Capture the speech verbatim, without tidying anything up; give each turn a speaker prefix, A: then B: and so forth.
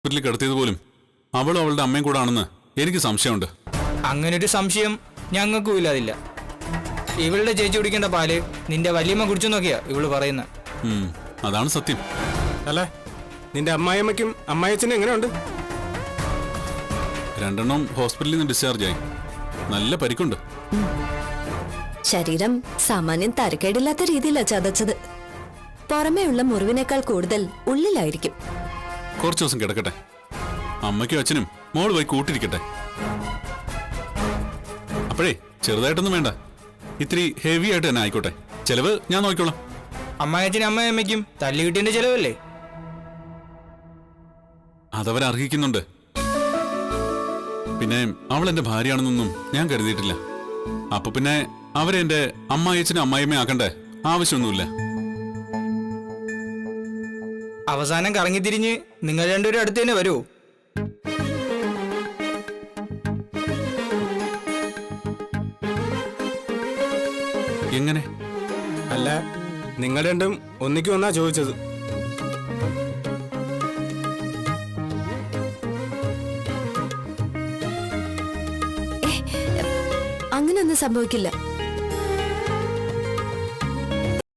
A: ഹോസ്പിറ്റലിൽ കിടത്തിയത് പോലും അവളും അവളുടെ അമ്മയും കൂടെ ആണെന്ന് എനിക്ക് സംശയമുണ്ട്.
B: അങ്ങനൊരു സംശയം ഞങ്ങൾക്കും ഇല്ലാതില്ല. ഇവളുടെ ചേച്ചി കുടിക്കേണ്ട പാല് നിന്റെ വല്യമ്മ കുടിച്ചു നോക്കിയാ ഇവള് പറയുന്ന.
A: അതാണ് സത്യം.
C: അല്ലേ, നിന്റെ അമ്മായിയമ്മയ്ക്കും അമ്മായിയച്ഛനും എങ്ങനെയുണ്ട്?
A: രണ്ടെണ്ണം ഹോസ്പിറ്റലിൽ നിന്ന് ഡിസ്ചാർജ് ആയി. നല്ല പരിക്കുണ്ട്.
D: ശരീരം സാമാന്യം തരക്കേടില്ലാത്ത രീതിയിലാ ചതച്ചത്. പുറമേയുള്ള മുറിവിനേക്കാൾ കൂടുതൽ ഉള്ളിലായിരിക്കും.
A: കുറച്ചു ദിവസം കിടക്കട്ടെ. അമ്മയ്ക്കും അച്ഛനും മോള് പോയി കൂട്ടിരിക്കട്ടെ. അപ്പോഴേ ചെറുതായിട്ടൊന്നും വേണ്ട, ഇത്തിരി ഹെവി ആയിട്ട് തന്നെ ആയിക്കോട്ടെ. ചെലവ് ഞാൻ നോക്കിക്കോളാം.
B: അമ്മായച്ഛനും അമ്മയമ്മയ്ക്കും തല്ലുകിട്ടിന്റെ ചെലവല്ലേ?
A: അതവർ അർഹിക്കുന്നുണ്ട്. പിന്നെ അവൾ എന്റെ ഭാര്യയാണെന്നൊന്നും ഞാൻ കരുതിയിട്ടില്ല. അപ്പൊ പിന്നെ അവരെ എന്റെ അമ്മായച്ഛനും അമ്മായിയമ്മയും ആക്കണ്ടേ ആവശ്യമൊന്നുമില്ല.
B: അവസാനം കറങ്ങിത്തിരിഞ്ഞ് നിങ്ങൾ രണ്ടുപേരും അടുത്ത് തന്നെ വരുമോ?
A: എങ്ങനെ?
C: അല്ല, നിങ്ങൾ രണ്ടും ഒന്നിക്കും ഒന്നാ ചോദിച്ചത്.
D: അങ്ങനെയൊന്നും സംഭവിക്കില്ല.